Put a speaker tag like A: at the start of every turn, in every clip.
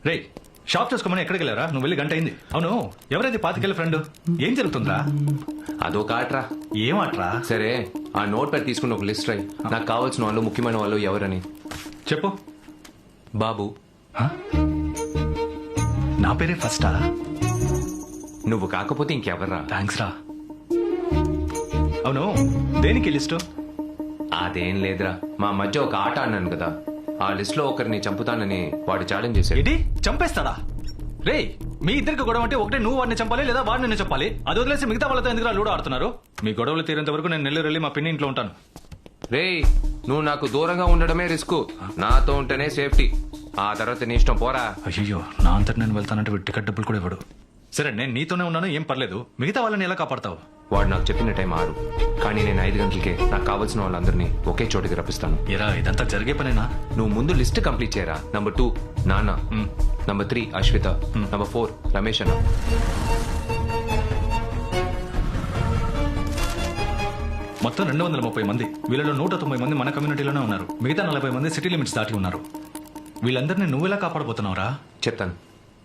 A: రే shop చూసుకోమని ఎక్కడికి వెళ్ళారా? నువ్వు వెళ్ళి గంట అయింది. అవును, ఎవరైతే పాతికెళ్ళి ఫ్రెండ్? ఏం జరుగుతుందా?
B: అదొక ఆటరా.
A: ఏం ఆటరా?
B: సరే, ఆ నోట్ ప్యాడ్ తీసుకుని ఒక లిస్ట్ రాయి. నాకు కావాల్సిన వాళ్ళు, ముఖ్యమైన వాళ్ళు ఎవరని
A: చెప్పు.
B: బాబు.
A: నా పేరే ఫస్టా?
B: నువ్వు కాకపోతే ఇంకెవర్రా?
A: థ్యాంక్స్ రా. అవును, దేనికి లిస్టు?
B: అదేం లేదురా, మా మధ్య ఒక ఆట అన్నాను కదా, ఆ లిస్ట్ లో ఒకరిని చంపుతానని వాడు ఛాలెంజ్ చేశాడు.
A: ఏంటి, చంపేస్తాడా? రే, మీ ఇద్దరికి గొడవ అంటే ఒకటే నువ్వు వాడిని చంపాలి లేదా వాడిని నేను చెప్పాలి. అది వదిలేసి మిగతా వాళ్ళతో ఎందుకు లూడో ఆడుతున్నారు? మీ గొడవలు తీరేంత వరకు నేను నెల్లూరు వెళ్ళి మా పిన్ని ఇంట్లో ఉంటాను.
B: రేయ్, నువ్వు నాకు దూరంగా ఉండడమే రిస్క్, నాతో ఉంటేనే సేఫ్టీ. ఆ తర్వాత నీ ఇష్టం, పోరా.
A: అయ్యో, నా అంతటి నేను వెళ్తానంటే టికెట్ డబ్బులు కూడా ఇవ్వడు. సరే, నేను నీతోనే ఉన్నాను, ఏం పర్లేదు. మిగతా వాళ్ళని ఎలా కాపాడతావు?
B: వాడు నాకు చెప్పిన టైం 6, కానీ నేను 5 గంటలకే నాకు కావాల్సిన వాళ్ళందరినీ ఒకే చోటికి రప్పిస్తాను.
A: ఎరా, ఇదంతా జరిగే పనేనా?
B: నువ్వు ముందు లిస్ట్ కంప్లీట్ చేయరా. నంబర్ 2 నాన్న, నంబర్ 3 అశ్విత, నంబర్ 4 రమేష్ అన్న.
A: మొత్తం 230 మంది. వీళ్ళలో 190 మంది మన కమ్యూనిటీలోనే ఉన్నారు. మిగతా 40 మంది సిటీ లిమిట్స్ దాటి ఉన్నారు. వీళ్ళందరినీ నువ్వెలా కాపాడబోతున్నావురా?
B: చెప్తాను.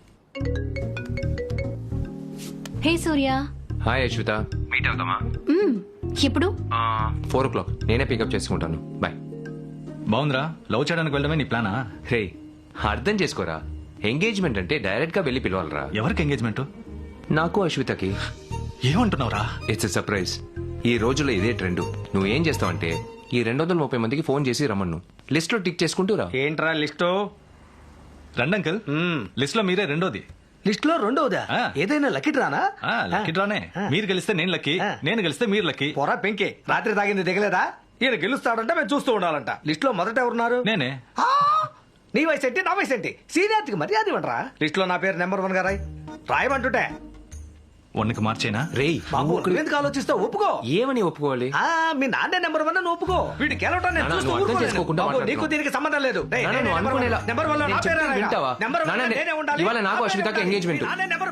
C: Hey Surya.
B: Hi Ashwitha, meet అవుతామా?
C: ఎప్పుడు?
B: 4 o'clock. నేనే పికప్ చేసుకుంటాను. బాయ్.
A: బాగుందిరా, లవ్ చేయడానికి వెళ్ళడమే నీ ప్లానా?
B: రే, అర్థం చేసుకోరా. ఎంగేజ్మెంట్ అంటే డైరెక్ట్ గా వెళ్ళి పిలవాలరా.
A: ఎవరికి ఎంగేజ్మెంట్?
B: నాకు అశ్వితకి.
A: ఏమంటున్నావురా?
B: It's a surprise. ఈ రోజుల్లో ఇదే ట్రెండ్. నువ్వు ఏం చేస్తావంటే ఈ 230 మందికి ఫోన్ చేసి రమ్మను. లిస్ట్ లో టిక్ చేసుకుంటూ రా.
D: ఏంట్రా లిస్టు?
A: రండి అంకుల్, లిస్ట్ లో మీరే రెండోది.
D: లిస్ట్ లో రెండోదా? ఏదైనా లక్కీ డ్రానా?
A: లక్కీ డ్రానే. మీరు గెలిస్తే నేను లక్కీ, నేను గెలిస్తే మీరు లక్కీ.
D: పొరా పెంకే, రాత్రి తాగింది దిగలేదా? ఈయన గెలుస్తాడంటే మేము చూస్తూ ఉండాలంట. లిస్ట్ లో మొదట ఎవరున్నారు?
A: నేనే.
D: నీ వయసు ఏంటి, నా వయసు ఏంటి? సీనియారిటీకి మర్యాద ఇవ్వండిరా. లిస్ట్ లో నా పేరు నెంబర్ 1 గా రాయమంటుంటే.
A: 1కి మార్చేనా?
B: రేయ్,
D: బాబు, నువ్వెందుకు ఆలోచిస్తావు? ఒప్పుకో.
B: ఏమని ఒప్పుకోవాలి?
D: మీ నాన్నే నెంబర్ 1 నువ్వు ఒప్పుకో. వీడి గెలవటం నేను
B: నాన్న,
D: చూస్తూ
B: నువ్వు అర్థం
D: ఊరుకోలేను.
B: చేసుకోకుండా
D: బాబు, నీకు
B: మాట్లాడుతున్నావు.
D: దీనికి సంబంధం లేదు. రేయ్,
B: నాన్న,
D: నేనే
B: నువ్వు
D: నెంబర్
B: అనుకునేలా-
D: 1. నెంబర్ 1
B: నేను
D: నా పేరే
B: చెప్తే
D: రాయగా.
B: వింటావా?
D: నెంబర్ 1
B: నాన్న,
D: నేనే ఉండాలి.
B: ఇవాళ నాకు
D: నా పేరే
B: అశ్వితకి
D: రాయాలి.
B: ఎంగేజ్మెంట్.
D: నాన్నే నెంబర్.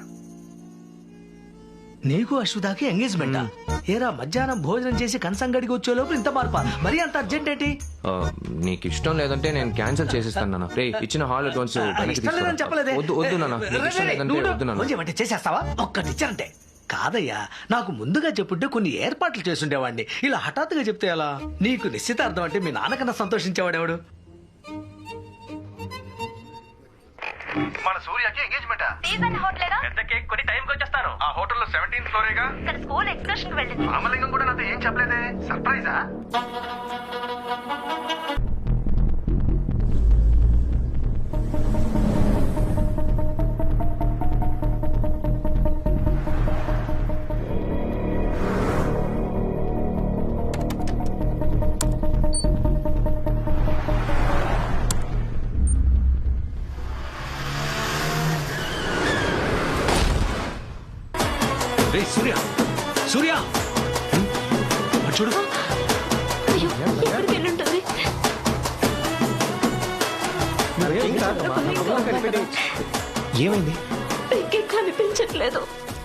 D: నీకు అశ్వితాకి ఎంగేజ్మెంటా? ఏరా, మధ్యాహ్నం భోజనం చేసి కన్సంగడికి వచ్చే లోపు ఇంత మార్పా? మరీ అంత అర్జెంట్ ఏంటి?
B: నీకు ఇష్టం లేదంటే నేను క్యాన్సిల్ చేసేస్తాను నాన్న. రే, ఇచ్చిన హాల్ అడ్వాన్స్
D: ఇష్టం లేదని చెప్పలేదే.
B: వద్దు నాన్న, నీకు ఇష్టం లేదంటే వద్దు నాన్న.
D: కొంచెం అంటే చేసేస్తావా? ఒక్కటిచ్చారంటే కాదయ్యా, నాకు ముందుగా చెప్పుంటే కొన్ని ఏర్పాట్లు చేసుండేవాడిని. ఇలా హఠాత్తుగా చెప్తే ఎలా? నీకు నిశ్చితార్థం అంటే మీ నాన్నకన్నా సంతోషించేవాడేవాడు?
E: మన సూర్యకి ఎంగేజ్మెంట్
F: సీజన్ హోటలేగా
E: పెద్ద కేక్ కొని టైంకి వచ్చేస్తాను. ఆ హోటల్లో 17th ఫ్లోరేగా.
F: ఇక్కడ స్కూల్ ఎక్స్కర్షన్ కి వెళ్ళింది.
E: రామలింగం కూడా నాతో ఏం చెప్పలేదే. సర్ప్రైజా?
A: రే సూర్య, సూర్య అటు చూడు.
C: అయ్యో, ఎక్కడికి వెళ్ళుంటుంది?
B: ఏమైంది?
C: పింకీ కనిపించట్లేదు.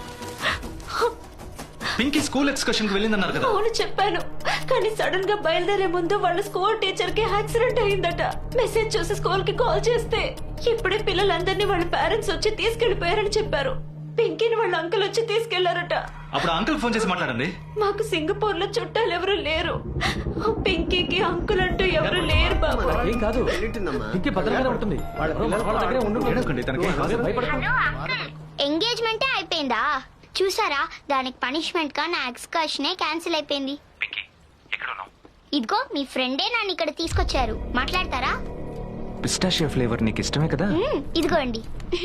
A: పింకీ స్కూల్ ఎక్స్కర్షన్ కి వెళ్ళిందన్నారు కదా?
C: అవును చెప్పాను, కానీ సడన్ గా బయలుదేరే ముందు వాళ్ళ స్కూల్ టీచర్ కి యాక్సిడెంట్ అయిందట. మెసేజ్ చూసి స్కూల్ కి కాల్ చేస్తే ఇప్పుడే పిల్లలందరినీ వాళ్ళ పేరెంట్స్ వచ్చి తీసుకెళ్లిపోయారని చెప్పారు. పింకీని వాళ్ళ అంకుల్ వచ్చి తీసుకెళ్లారట.
A: అప్పుడు అంకుల్ ఫోన్ చేసి మాట్లాడండి.
C: మాకు సింగపూర్ లో చుట్టాలు ఎవరు లేరు. పింకీకి అంకుల్ అంటూ ఎవరు లేరు బాబు.
D: ఏం కాదు, భద్రంగానే ఉంటుంది.
A: ఏడవకండి, తనకి ఏం కాదు.
G: ఎంగేజ్మెంటే అయిపోయిందా? చూసారా, దానికి పనిష్మెంట్ గా నా ఎక్స్కర్షనే క్యాన్సిల్ అయిపోయింది. ఇదిగో మీ ఫ్రెండే నన్ను ఇక్కడ తీసుకొచ్చారు. మాట్లాడతారా?
B: పిస్టాషియో ఫ్లేవర్ నీకు ఇష్టమే కదా?
G: ఇదిగోండి.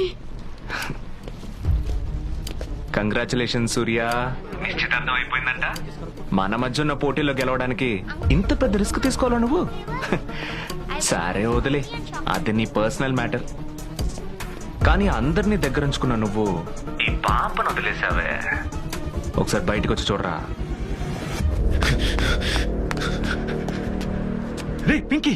B: కంగ్రాచులేషన్ సూర్య, నిశ్చితార్థం అయిపోయిందంట. మన మధ్య ఉన్న పోటీలో గెలవడానికి ఇంత పెద్ద రిస్క్ తీసుకోవాలా నువ్వు? సరే వదిలే, అది నీ పర్సనల్ మ్యాటర్. కానీ అందరినీ దగ్గరుంచుకున్న నువ్వు ఈ పాపను వదిలేసావే. ఒకసారి బయటకు వచ్చి చూడరా.
A: రే పింకీ,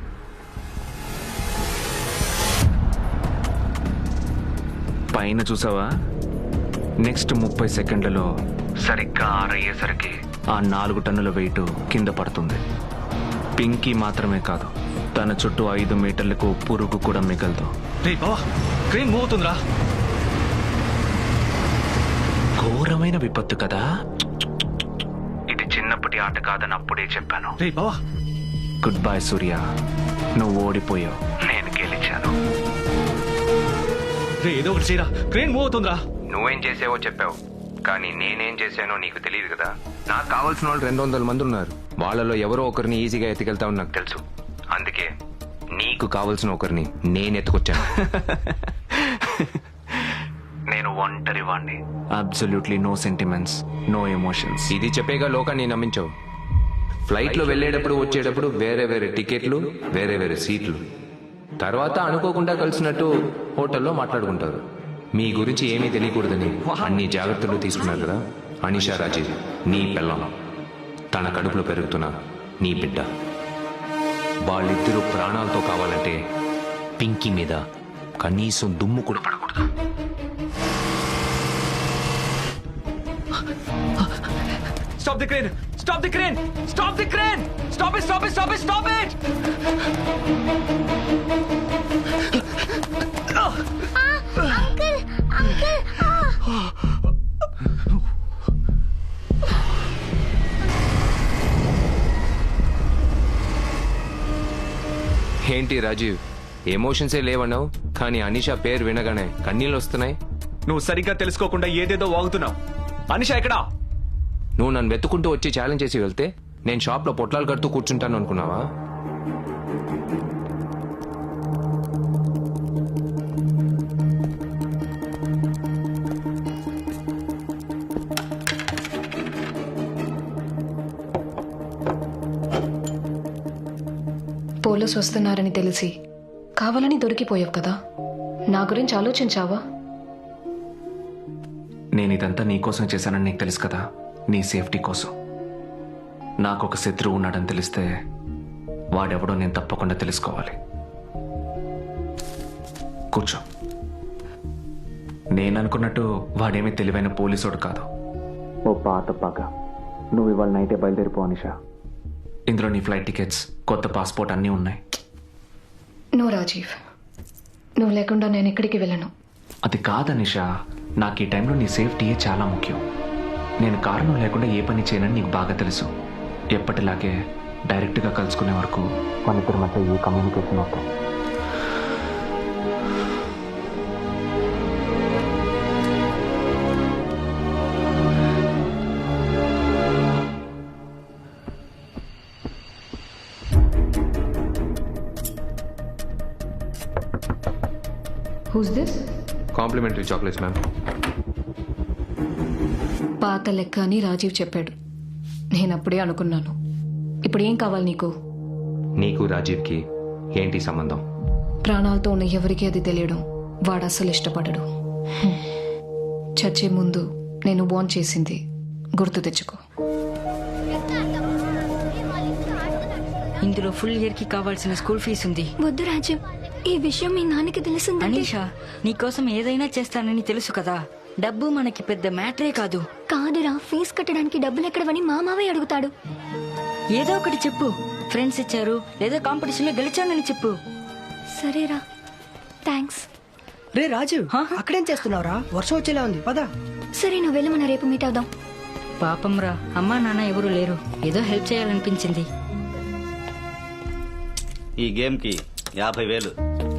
B: పైన చూసావా? నెక్స్ట్ 30 సెకండ్లలో సరిగ్గా 6 అయ్యేసరికి ఆ 4 టన్నుల వెయిట్ కింద పడుతుంది. పింకీ మాత్రమే కాదు, తన చుట్టూ 5 మీటర్లకు పురుగు కూడా మిగలదు.
A: రే బావా క్రేన్ మూవ్ అవుతుందిరా.
B: ఘోరమైన విపత్తు కదా. ఇది చిన్నప్పటి ఆట కాదని అప్పుడే చెప్పాను.
A: రే బావా
B: గుడ్ బై సూర్య, నువ్వు ఓడిపోయావు, నేను గెలిచాను.
A: రే ఏదో ఒకటి చేయరా, క్రేన్ మూవ్ అవుతుందిరా.
B: నువ్వేం చేసావో చెప్పావు, కానీ నేనేం చేశానో నీకు తెలియదు కదా. నాకు కావాల్సిన వాళ్ళు 200 మంది ఉన్నారు. వాళ్ళలో ఎవరో ఒకరిని ఈజీగా ఎత్తుకెళ్తావని నాకు తెలుసు. అందుకే నీకు కావాల్సిన ఒకరిని నేను ఎత్తుకొచ్చాను. నేను ఒంటరి వాణ్ణి. Absolutely no sentiments, no emotions. ఇది చెప్పేగా లోకాన్ని నమ్మించావు. ఫ్లైట్ లో వెళ్ళేటప్పుడు వచ్చేటప్పుడు వేరే వేరే టికెట్లు, వేరే వేరే సీట్లు. తర్వాత అనుకోకుండా కలిసినట్టు హోటల్లో మాట్లాడుకుంటారు. మీ గురించి ఏమీ తెలియకూడదని అన్ని జాగ్రత్తలు తీసుకున్నారు కదా. అనిషా రాజీవ్ నీ పెళ్ళం, తన కడుపులో పెరుగుతున్న నీ బిడ్డ. వాళ్ళిద్దరూ ప్రాణాలతో కావాలంటే పింకీ మీద కనీసం దుమ్ము కూడా పడకూడదు.
A: Stop the crane! Stop the crane! Stop the crane! Stop it! Stop it! Stop it! Stop it!
G: Uncle uncle
B: ఏంటి రాజీవ్, ఎమోషన్సే లేవన్నావు, కానీ అనిషా పేరు వినగానే కన్నీళ్ళు వస్తున్నాయి.
A: నువ్వు సరిగ్గా తెలుసుకోకుండా ఏదేదో వాగుతున్నావు. అనిషా ఎక్కడా?
B: నువ్వు నన్ను వెతుకుంటూ వచ్చి ఛాలెంజ్ చేసి వెళ్తే నేను షాప్లో పొట్లాలు కడుతూ కూర్చుంటాను అనుకున్నావా?
H: పోలీసు వస్తున్నారని తెలిసి కావాలని దొరికిపోయావు కదా. నా గురించి ఆలోచించావా?
B: నేను ఇదంతా నీకోసం చేశానని నీకు తెలుసు కదా, నీ సేఫ్టీ కోసం. నాకు ఒక శత్రువు ఉన్నాడని తెలిస్తే వాడెవడో నేను తప్పకుండా తెలుసుకోవాలి. కూర్చో. నేను అనుకున్నట్టు వాడేమీ తెలివైన పోలీసోడు కాదు. ఓ పాత పగ. నువ్వు ఇవాళ నైటే బయలుదేరిపో అనిషా. ఇందులో నీ ఫ్లైట్ టికెట్స్, కొత్త పాస్పోర్ట్ అన్నీ ఉన్నాయి.
H: నువ్వు రాజీవ్, నువ్వు లేకుండా నేను ఎక్కడికి వెళ్ళను.
B: అది కాదనిషా, నాకు ఈ టైంలో నీ సేఫ్టీయే చాలా ముఖ్యం. నేను కారణం లేకుండా ఏ పని చేయనని నీకు బాగా తెలుసు. ఎప్పటిలాగే డైరెక్ట్గా కలుసుకునే వరకు మన ఇద్దరి మధ్య ఏ కమ్యూనికేషన్ అవుతాం.
H: Who's this?
B: Complimentary chocolates ma'am.
H: పాత లెక్క అని రాజీవ్ చెప్పాడు. నేను అప్పుడే అనుకున్నాను. ఇప్పుడు ఏం కావాలి నీకు?
B: నీకు రాజీవ్కి ఏంటి సంబంధం?
H: ప్రాణాలతో ఉన్న ఎవరికి అది తెలియడం వాడు అస్సలు ఇష్టపడడు. చచ్చే ముందు నేను వార్న్ చేసింది గుర్తు తెచ్చుకో.
I: ఇందులో ఫుల్ ఇయర్ కి కావాల్సిన స్కూల్ ఫీజు ఉంది.
C: వద్దు రాజీవ్, ఈ విషయం మీ నాన్నకి తెలిసింది.
I: అనీషా, నీకోసం ఏదైనా చేస్తానని తెలుసు కదా. డబ్బు మనకి పెద్ద మ్యాటరే కాదు.
C: కాదురా, ఫీజు కట్టడానికి డబ్బులు ఎక్కడవని మా మావయ్య అడుగుతాడు.
I: ఏదో ఒకటి చెప్పు. ఫ్రెండ్స్ ఇచ్చారు లేదా కాంపిటీషన్ లో గెలిచానని చెప్పు.
C: సరేరా, థ్యాంక్స్.
J: రే రాజు, అక్కడేం చేస్తున్నావురా? వర్షం వచ్చేలా ఉంది, పద.
C: సరే, నువ్వు వెళ్ళి మన రేపు మీట్ అవుదాం.
I: పాపం రా, అమ్మా నాన్న ఎవరు లేరు. ఏదో హెల్ప్ చేయాలనిపించింది.
K: ఈ గేమ్ కి 50,000.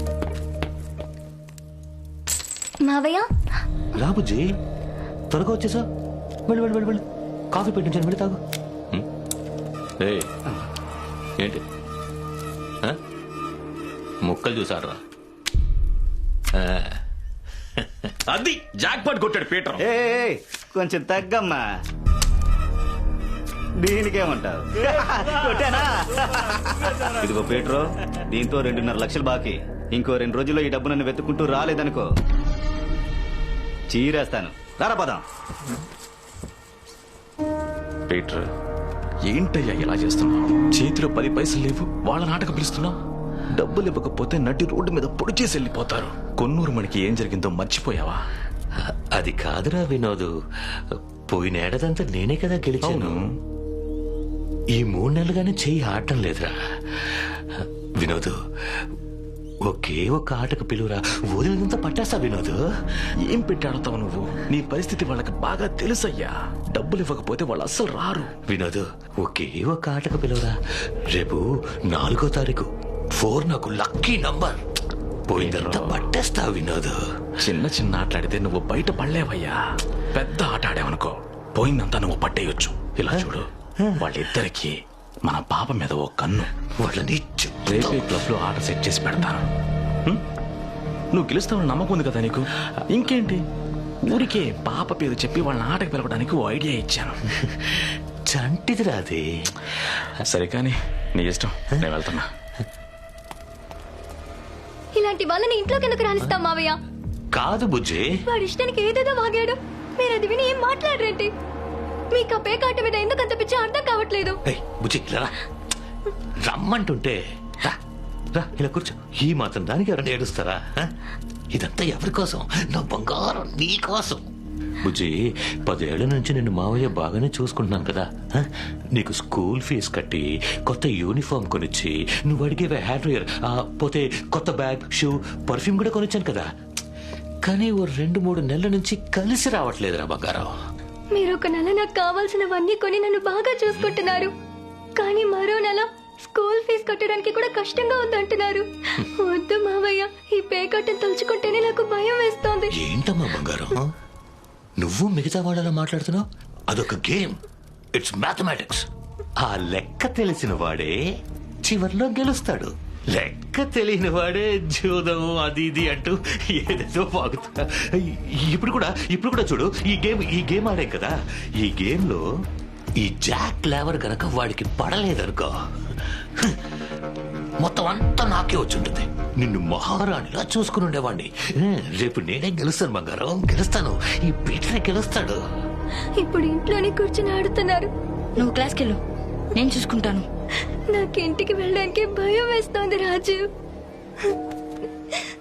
C: మావయ్య
K: రాబుజీ, త్వరగా వచ్చేసా. వెళ్ళి వెళ్ళి వెళ్ళి వెళ్ళి కాఫీ పెట్టించాను, వెళ్ళి తాగు. ఏంటి ముక్కలు చూసారా?
A: అది జాక్ పాట్ కొట్టాడు పీటర్.
K: కొంచెం తగ్గమ్మా. దీనికేమంటావు? కొట్టానా? ఇదిగో పీటరు, దీంతో 2.5 లక్షలు బాకీ. ఇంకో 2 రోజుల్లో ఈ డబ్బు నన్ను వెతుక్కుంటూ రాలేదనుకో, చీరేస్తాను. రారా పదం.
A: పీటర్, ఏంటయ్యా ఇలా చేస్తున్నావు? చేతిలో 10 పైసలు లేవు, వాళ్ళ నాటక పిలుస్తున్నావు. డబ్బులు ఇవ్వకపోతే నటి రోడ్డు మీద పొడి చేసి వెళ్ళిపోతారు. కొన్నూరు మనకి ఏం జరిగిందో మర్చిపోయావా?
L: అది కాదురా వినోదు, పోయినేడాదంతా నేనే కదా గెలిచాను. ఈ 3 నెలలుగానే చెయ్యి ఆడటం లేదురా. వినోదు, ఒకే ఒక ఆటకు పిలువురా వదిలినంత పట్టేస్తా వినోద్.
A: ఏం పెట్టి ఆడతావు నువ్వు? నీ పరిస్థితి వాళ్ళకి బాగా తెలుసయ్యా. డబ్బులు ఇవ్వకపోతే వాళ్ళు అస్సలు రారు.
L: వినోద్ ఒకే ఒక ఆటకు పిలువురా. రేపు 4వ తారీఖు 4 నాకు లక్కీ నంబర్. పోయిందంతా పట్టేస్తా వినోద్.
A: చిన్న చిన్న ఆటలాడితే నువ్వు బయట పడలేవయ్యా. పెద్ద ఆట ఆడావనుకో పోయిందంతా నువ్వు పట్టేయొచ్చు. ఇలా చూడు, వాళ్ళిద్దరికి మన పాప మీద ఓ కన్ను.
L: వాళ్ళని
A: రేపే క్లబ్ లో ఆట సెట్ చేసి పెడతాను. నువ్వు గెలుస్తావని నమ్మకం ఉంది కదా నీకు. ఇంకేంటి, ఊరికే పాప పేరు చెప్పి వాళ్ళని ఆటకు పిలవడానికి ఓ ఐడియా ఇచ్చాను.
L: చంటిదిరా అది.
A: సరే కానీ నీ ఇష్టం, నేను వెళ్తున్నా.
C: ఇలాంటి వాళ్ళని ఇంట్లోకి ఎందుకు రానిస్తాం మావయ్య?
L: కాదు బుజ్జి,
C: వాడి ఇష్టానికి ఏదేదో వాగాడు. మీరు అది విని ఏం మాట్లాడరేంటి? మీకు ఆ పేకాట మీద ఎందుకు అంత పిచ్చి అర్థం కావట్లేదు.
L: బుజ్జి ఇలా రా. రమ్మంటుంటే రా రా ఇలా కూర్చో. ఈ మాత్రం దానికి ఎవరైనా ఏడుస్తారా? ఇదంతా ఎవరి కోసం? నా బంగారం నీ కోసం. బుజ్జి 10 ఏళ్ల నుంచి నిన్ను మావయ్య బాగానే చూసుకుంటున్నాను కదా. నీకు స్కూల్ ఫీజు కట్టి కొత్త యూనిఫామ్ కొనిచ్చి నువ్వు అడిగేవే హ్యాట్ డ్రైయర్, పోతే కొత్త బ్యాగ్, షూ, పర్ఫ్యూమ్ కూడా కొనిచ్చాను కదా. కానీ ఓ 2-3 నెలల నుంచి కలిసి రావట్లేదురా బంగారం.
C: మీరు ఒక నెల నాకు కావాల్సినవన్నీ కొని నన్ను బాగా చూసుకుంటున్నారు, కానీ మరో నెల స్కూల్ ఫీజు కట్టడానికి కూడా కష్టంగా ఉందంటున్నారు. వద్దు మావయ్య, ఈ పేకట్టను తలుచుకుంటేనే నాకు భయం వేస్తోంది.
L: ఏంటమ్మా బంగారం, నువ్వు మిగతా వాళ్ళలా మాట్లాడుతున్నావు? అదొక గేమ్, ఇట్స్ మ్యాథమెటిక్స్. ఆ లెక్క తెలిసిన వాడే చివర్లో గెలుస్తాడు. లెక్క తెలియని వాడే జూదం అది ఇది అంటూ ఏదేదో వాగుతా. ఇప్పుడు కూడా చూడు, ఈ గేమ్ ఆడాం కదా. ఈ గేమ్ లో ఈ జాక్ లేవర్ గనక వాడికి పడలేదనుకో, మొత్తం అంతా నాకే వచ్చుంటుంది. నిన్ను మహారాణిలా చూసుకుని ఉండేవాడిని. రేపు నేనే గెలుస్తాను బంగారం, గెలుస్తాను. ఈ పీటరే గెలుస్తాడు.
C: ఇప్పుడు ఇంట్లోనే కూర్చొని ఆడుతున్నారు.
I: నువ్వు క్లాస్కి వెళ్ళు, నేను చూసుకుంటాను.
C: నాకు ఇంటికి వెళ్ళడానికి భయం వేస్తోంది రాజు.